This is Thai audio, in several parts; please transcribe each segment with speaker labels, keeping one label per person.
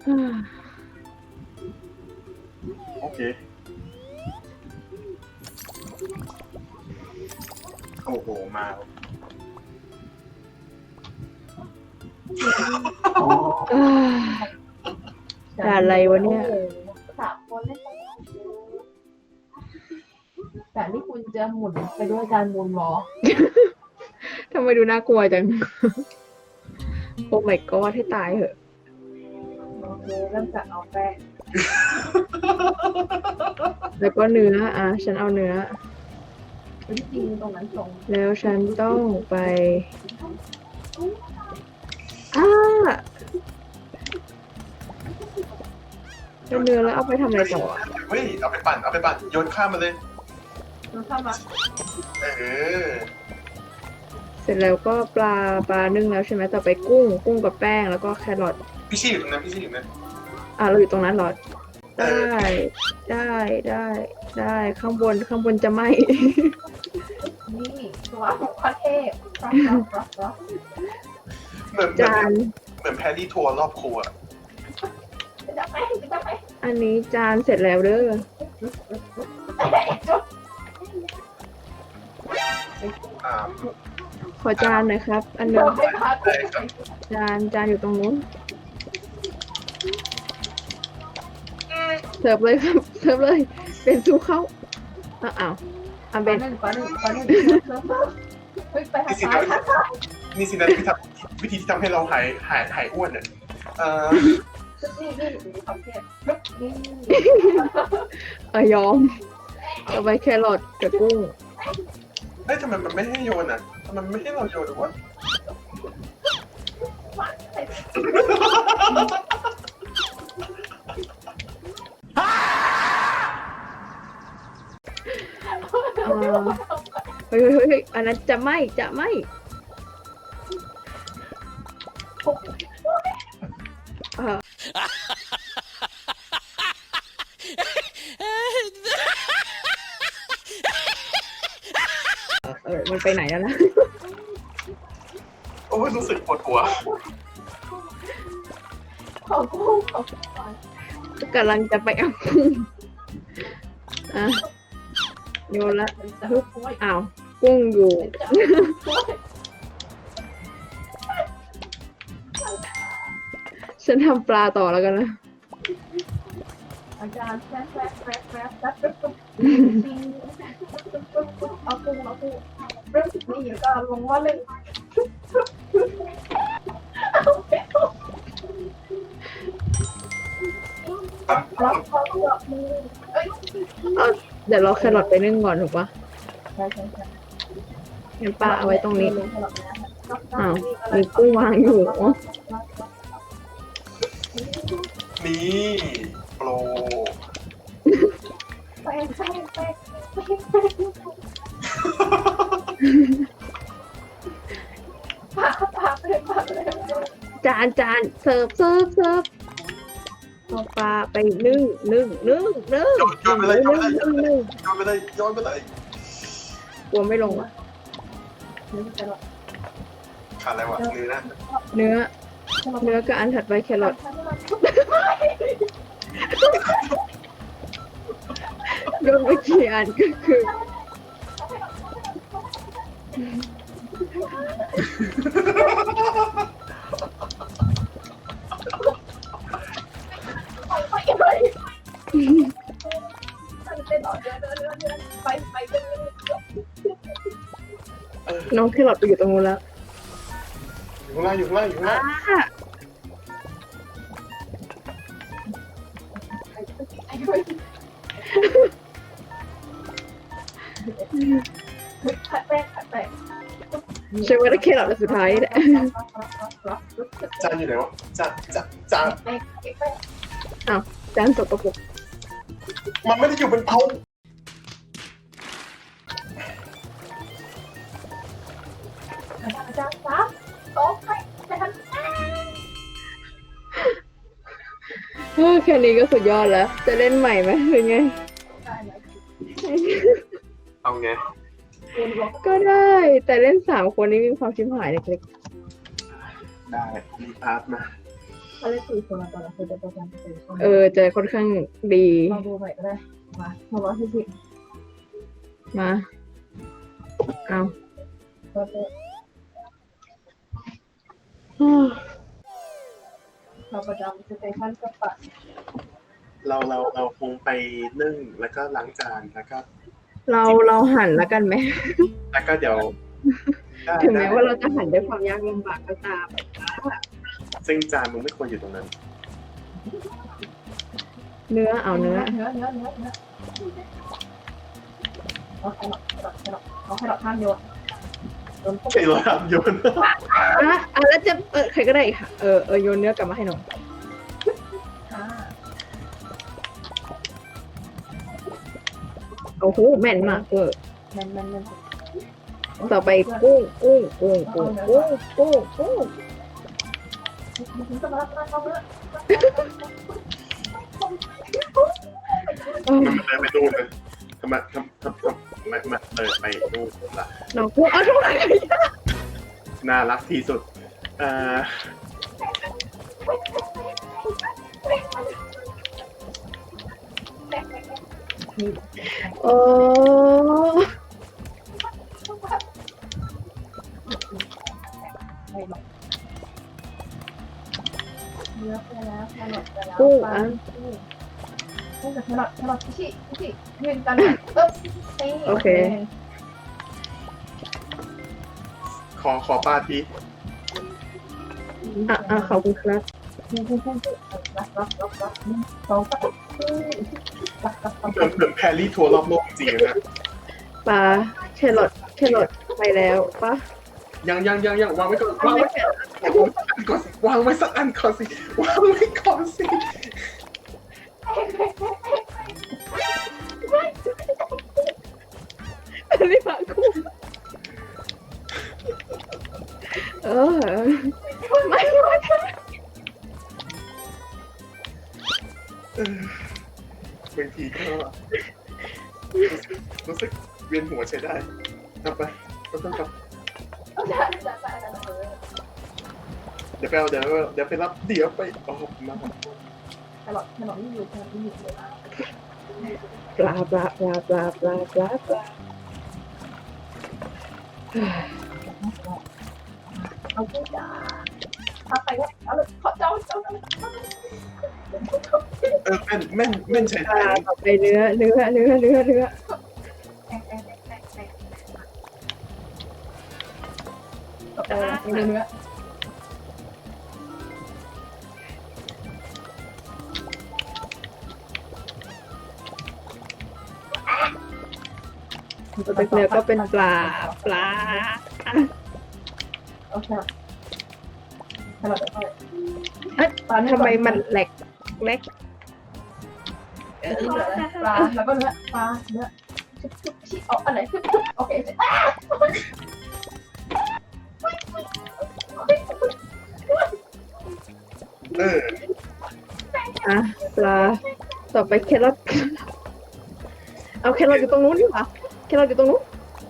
Speaker 1: โอเคโอ้โหมา
Speaker 2: ด่าอะไรวะเนี่ย
Speaker 3: 3 คนเล่นแต่นี่คุณจะหมุนไปด้วยการหมุนล้อ
Speaker 2: ทำไมดูน่ากลัวจัง โอ้ my god ให้ตายเหอะ
Speaker 3: โอเคเริ่มจากเอาแป้ง
Speaker 2: แล้วก็เนื้อฉันเอาเนื้อ
Speaker 3: ที่จริงตรงนั้นตรง
Speaker 2: แล้วฉันต้องไปเป็นเนื้อแล้วเอาไปทำอะไรต่อ
Speaker 1: เฮ้ยเอาไปปั่นโยนข้ามมาเลย
Speaker 3: เราเข้ามา
Speaker 1: เออ
Speaker 2: เสร็จแล้วก็ปลานึ่งแล้วใช่ไหมต่อไปกุ้งกับแป้งแล้วก็แครอท
Speaker 1: พี่ชี่อยู่ตรงนั้น
Speaker 2: เราอยู่ตรงนั้นเหรอ ได้ข้างบนจะไหม
Speaker 3: นี่ตัวของประเทศ
Speaker 1: เหมือน
Speaker 2: จาน
Speaker 1: แพรรี่ทัวร์รอบครัว
Speaker 3: จะไป
Speaker 2: อันนี้จานเสร็จแล้วเด้อขอจานหน่อยครับ อันหนึงจานอยู่ตรงนู้นเสิร์ฟเลยครับเสิร์ฟเลยเป็นสู้เข้าอ้าวเป็น
Speaker 3: ปลาหนึ่งเฮ้ยไปทางซ้าย
Speaker 1: นี่สินะวิธีที่ทำให้เราหายอ้วนเนี่ย
Speaker 3: นี่ประเทศนี่
Speaker 2: ยอมต่อไปแครอทกับกุ้ง
Speaker 1: เฮ้ยทำไมมันไม่ให้โยนอ่ะทำไมไม่ให้เราโยนหรือวะ
Speaker 2: เฮ้ยอันนั้นจะไหมมันไปไหนแล้วนะ
Speaker 1: โอ้ยรู้สึกปวดหัว
Speaker 3: ของกุ้ง
Speaker 2: กำลังจะไปเอากุ้งโยนละอ้าวกุ้งอยู่ ฉันทำปลาต่อแล้วกันนะ
Speaker 3: อาจารย์แป๊บเอากุ้งเริ่มนี่ก็ลงว่าเลยรับมือ
Speaker 2: เดี๋ยวเราแครอทไปนึ่งก่อนถูกปะ
Speaker 3: ใช่
Speaker 2: งั้นปลาเอาไว้ตรงนี้อ้าวมีกุ้งวางอยู่
Speaker 1: นี่โปร
Speaker 3: แป้งปาเลย
Speaker 2: จานเสิร์ฟเอาปลาไปนึ่ง
Speaker 1: โยนไปเลยโยนไปเลย
Speaker 2: กลัวไม่ลงวะ
Speaker 1: ขาดอะไรวะ
Speaker 2: เนื้อกับอันถัดไปแครอทโดนไปกี่อันก็คือน้องแครอทไปอยู่ตรงนู้นแล้ว
Speaker 1: อยู่ข้างล่าง
Speaker 3: ผัดแป้ง
Speaker 2: ใช่ว่าได้แครอทอันสุดท้ายแหละ
Speaker 1: จานอยู่ไหนวะจาน
Speaker 2: จานสกปรก
Speaker 1: มันไม่ได้อยู่บนเตา
Speaker 3: อาจารย์ครับโต๊ะไปทำ
Speaker 2: แค่นี้ก็สุดยอดแล้ว จะเล่นใหม่ไหมหรือไง
Speaker 1: เอาไง
Speaker 2: ก็ได้ แต่เล่น3 คนนี้มีความชิบหายเล็ก
Speaker 1: ได้รีพาร์ทมา
Speaker 2: ๆ
Speaker 3: เขาเล่น4 คนตอนนั้นคือจะโปรแกรมเป็นคน
Speaker 2: จะค่อนข้างดี
Speaker 3: ลองดูใหม่ก็ได้มา140
Speaker 2: มาเอา
Speaker 3: ก็จะเราประจำสเตชันกับปัด
Speaker 1: เราคงไปนึ่งแล้วก็ล้างจานแล้วก็
Speaker 2: เราหันแล้วกันไหม
Speaker 1: แล้วก็เดี๋ยว
Speaker 2: ถึงแม้ว่าเราจะหันด้วยความยากลำบากก็ตาม
Speaker 1: ซึ่งจานมึงไม่ควรอยู่ตรงนั้น
Speaker 2: เนื้อเอาเนื้อ
Speaker 3: เอาแครอทเอาแครอทท่านโยนโยนปุ๊บ
Speaker 1: ไอ้เราทำโยน
Speaker 2: แล้วจะใครก็ได้ค่ะโยนเนื้อกลับมาให้หน่อย
Speaker 3: อ่า
Speaker 2: โอ้โหแม่นมาก
Speaker 3: มัน
Speaker 2: ต่อไปกุ้ง
Speaker 3: มันจะมารับเขาเนื้อ
Speaker 1: มันเลยไปดูเลยทำไมมันเลยไปดูล่ะ
Speaker 2: น้องกุ้งทุกคน
Speaker 1: น่ารักที่สุด
Speaker 2: โอ้
Speaker 3: เนื้อไปแล้วแครอทไปแล้ว
Speaker 2: กุ้ง
Speaker 3: กับแครอทชิยืนกัน
Speaker 2: โอเค
Speaker 1: ขอปาที
Speaker 2: ขอบคุณครับ
Speaker 1: เหมือนแพรรี่ทัวร์รอบโลกจริงๆนะ
Speaker 2: ปลาแครอทไปแล้วปะ
Speaker 1: ยังวางไว้ก่อนวางไว้สักอันก่อนสิวางไว้ก่อนสิ
Speaker 2: ไม่ปลากุ้งไม่
Speaker 1: บางทีก็รู้สึกเวียนหัวใช้ได้กลับไปก็ต้องกลับเดี๋ยวไปเอาเดี๋ยวไปรับเดี๋ยวไปโอ้โหมา
Speaker 3: แครอทนี่อยู่เลย
Speaker 2: ปลา
Speaker 3: เอากุ้งจ้าเอาไปแล้วเอาเลยขอเจ้า
Speaker 1: แม่นใช้ได้
Speaker 2: ต่อไปเนื้อ
Speaker 3: เนื้อ
Speaker 2: ต่อไปเนื้อก็เป็นปลา
Speaker 3: โอเคแครอทไป
Speaker 2: ทำไมมันแหลก
Speaker 3: ปลาแล้วก็เนื้อปลาเนื้อชิเอาอันไหนโอเค
Speaker 2: ปลาต่อไปแครอทเอาแครอทอยู่ตรงนู้นดีกว่าแครอทอยู่ตรงนู้น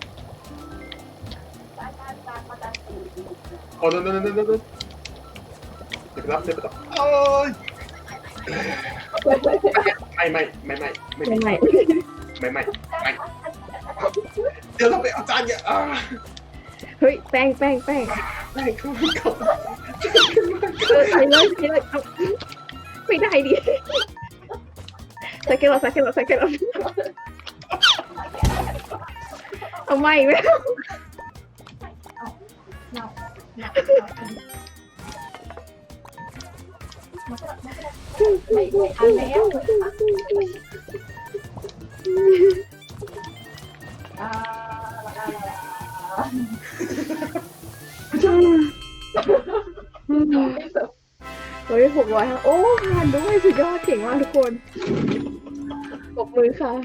Speaker 1: โอ้โนเดี๋ยวไปรับโอ้ยไม่เดี๋ยวเราไปเอาจานเนี่ย
Speaker 2: เฮ้ยแป้ง
Speaker 1: ไม่เข้า
Speaker 2: ใส่เลยเอาไม่ได้ดิใส่แครอทเอาไม่ไหม
Speaker 3: ไม่ทันแล้ว
Speaker 2: เฮ้ย600โอ้ผ่านด้วยสุดยอดเก่งมากทุกคนปรบมือค่ะ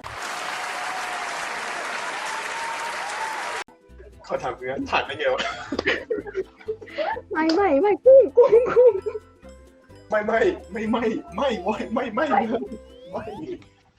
Speaker 1: ขอถามเพื่อนผ่านได้ไงวะ
Speaker 2: ไม่กุ้ง
Speaker 1: ไม่